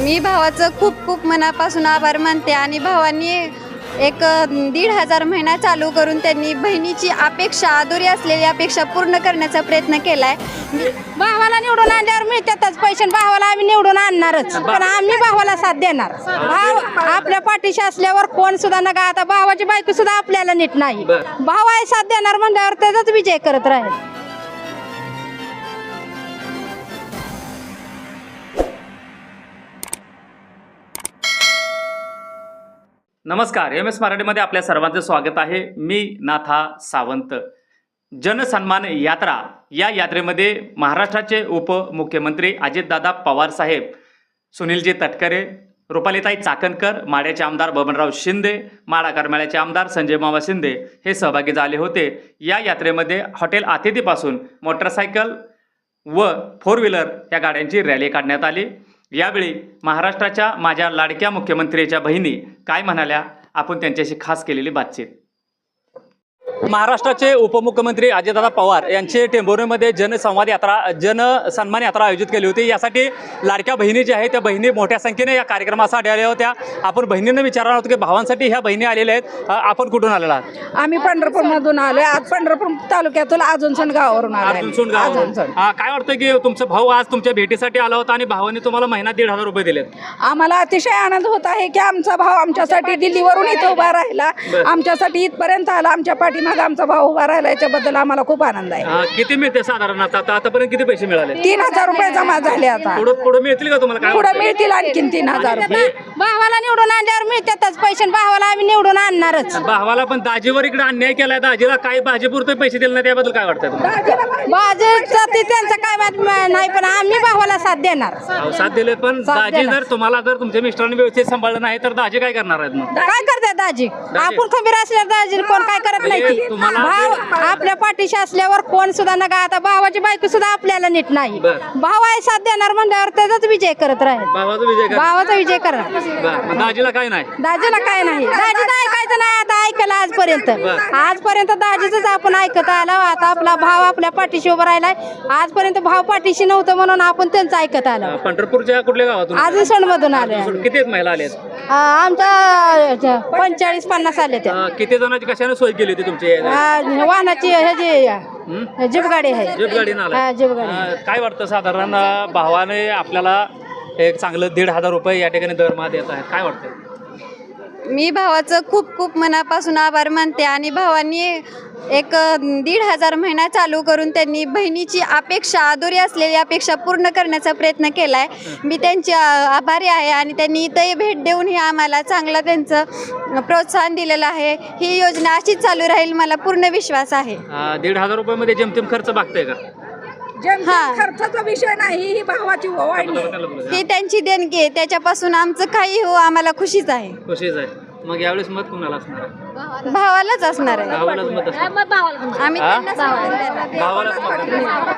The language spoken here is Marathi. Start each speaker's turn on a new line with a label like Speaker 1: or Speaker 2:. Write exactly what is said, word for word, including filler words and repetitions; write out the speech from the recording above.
Speaker 1: मी भावाचं खूप खूप मनापासून आभार मानते आणि भावांनी एक दीड हजार महिना चालू करून त्यांनी बहिणीची अपेक्षा अधुरी असलेली अपेक्षा पूर्ण करण्याचा प्रयत्न केलाय।
Speaker 2: भावाला निवडून आणल्यावर मिळतातच पैसे, भावाला आम्ही निवडून आणणारच, पण आम्ही भावाला साथ देणार। भाव आपल्या पाठीशी असल्यावर कोण सुद्धा नका, आता भावाची बायको सुद्धा आपल्याला नीट नाही, भाव आहे साथ देणार म्हणल्यावर त्याचाच विजय करत राहील।
Speaker 3: नमस्कार, एम एस मराठीमध्ये आपल्या सर्वांचं स्वागत आहे। मी नाथा सावंत। जनसन्मान यात्रा या यात्रेमध्ये महाराष्ट्राचे उपमुख्यमंत्री अजितदादा पवार साहेब, सुनीलजी तटकरे, रुपालीताई चाकणकर, माढ्याचे आमदार बबनराव शिंदे, माढा करमाळ्याचे आमदार संजय मामा शिंदे हे सहभागी झाले होते। या यात्रेमध्ये हॉटेल अतिथीपासून मोटरसायकल व फोर व्हीलर या गाड्यांची रॅली काढण्यात आली। यावेळी महाराष्ट्राच्या माझ्या लाडक्या मुख्यमंत्रीच्या बहिणी काय म्हणाल्या, आपण त्यांच्याशी खास केलेली बातचीत। महाराष्ट्राचे उपमुख्यमंत्री अजितदादा पवार यांचे टेंभुर्णीमध्ये जनसंवाद यात्रा जनसन्मान यात्रा आयोजित केली होती। यासाठी लाडक्या बहिणी ज्या आहेत त्या बहिणी मोठ्या संख्येने या कार्यक्रमासाठी आल्या होत्या। आपण बहिणींना विचारणार होतो की भावांसाठी ह्या बहिणी आलेल्या आहेत, आपण कुठून आलेला आहात?
Speaker 2: आम्ही पंढरपूरमधून आलोय, आज पंढरपूर तालुक्यातून अजूनसण गावावरून आलोय।
Speaker 3: अजूनसण गावावरून काय वाटतं की तुमचा भाऊ आज तुमच्या भेटीसाठी आला होता आणि भावाने तुम्हाला महिना दीड हजार रुपये दिलेत?
Speaker 2: आम्हाला अतिशय आनंद होत आहे की आमचा भाऊ आमच्यासाठी दिल्लीवरून इथं उभा राहिला, आमच्यासाठी इथपर्यंत आला, आमच्या पाठीमागे आमचा भाऊ उभा राहिला, याच्याबद्दल आम्हाला खूप आनंद आहे।
Speaker 3: किती मिळते साधारण आता आतापर्यंत किती पैसे मिळाले?
Speaker 2: तीन हजार रुपये जमा झाले। आता
Speaker 3: पुढे पुढे मिळतील का तुम्हाला?
Speaker 2: पुढे मिळतील आणखीन तीन हजार रुपये। भावाला निवडून आणल्यावर मिळतातच पैसे, भावाला आम्ही निवडून आणणारच।
Speaker 3: भावाला पण दाजीवर इकडे अन्याय केलाय, दाजीला काही भाजीपुरते पैसे दिले नाही, त्याबद्दल काय वाटतं तुम्हाला?
Speaker 2: भाजीचं ते त्यांचं काय बात नाही, पण आम्ही भावाला साथ देणार।
Speaker 3: साथ दिले, पण दाजी जर तुम्हाला जर तुमच्या मिस्टरांनी व्यवस्थित सांभाळलं नाही तर दाजी काय करणार आहेत? मग
Speaker 2: काय करते दाजी? आपण खंबीर असल्यावर दाजी कोण काय करत नाही। भाव आपल्या पाठीशी असल्यावर कोण सुद्धा नका, आता भावाची बायको सुद्धा आपल्याला नीट नाही, भाव आहे साथ देणार म्हणल्यावर त्याचाच विजय करत राहील।
Speaker 3: भावाचा विजय
Speaker 2: भावाचा विजय करणार।
Speaker 3: दाजीला काय नाही,
Speaker 2: दाजीला काय नाही, दाजीचं ऐकायचं नाही। आता ऐकलं आजपर्यंत, आजपर्यंत दाजीच आपण ऐकत आलो। आता आपला भाव आपल्या पाठीशी उभा राहिलाय, आजपर्यंत भाव पाठीशी नव्हतं म्हणून आपण त्यांचं ऐकत आलो।
Speaker 3: पंढरपूरच्या कुठल्या गावातून?
Speaker 2: अजून सण मधून आले।
Speaker 3: किती महिला आल्या?
Speaker 2: आमच्या पंचेचाळीस पन्नास आले त्या।
Speaker 3: किती जणांची कशाने सोय केली होती तुमची?
Speaker 2: वाहनाची ह्याची जीप गाडी आहे।
Speaker 3: जीप गाडी ना
Speaker 2: जीप गाडी।
Speaker 3: काय वाटतं साधारण भावाने आपल्याला एक चांगलं दीड हजार रुपये या ठिकाणी दरमहा देत आहे, काय वाटतं?
Speaker 1: मी भावाचं खूप खूप मनापासून आभार मानते आणि भावांनी एक दीड हजार महिना चालू करून त्यांनी बहिणीची अपेक्षा अधुरी असलेली अपेक्षा पूर्ण करण्याचा प्रयत्न केलाय। मी त्यांची आभारी आहे आणि त्यांनी इथंही भेट देऊन ही आम्हाला चांगला त्यांचं प्रोत्साहन दिलेलं आहे। ही योजना अशीच चालू राहील, मला पूर्ण विश्वास आहे।
Speaker 3: दीड हजार रुपयामध्ये जेमतेम खर्च भागतंय का?
Speaker 2: हा, खर्चाचा विषय नाही, ही भावाची ओवाळणी,
Speaker 1: ही त्यांची देणगी आहे, त्याच्यापासून आमचं काही हो आम्हाला खुशीच आहे।
Speaker 3: खुशीच आहे। मग यावेळेस मत कुणाला असणार आहे?
Speaker 1: भावालाच असणार आहे।
Speaker 3: भावालाच मत असणार,
Speaker 1: आम्ही त्यांना
Speaker 3: भावालाच मत.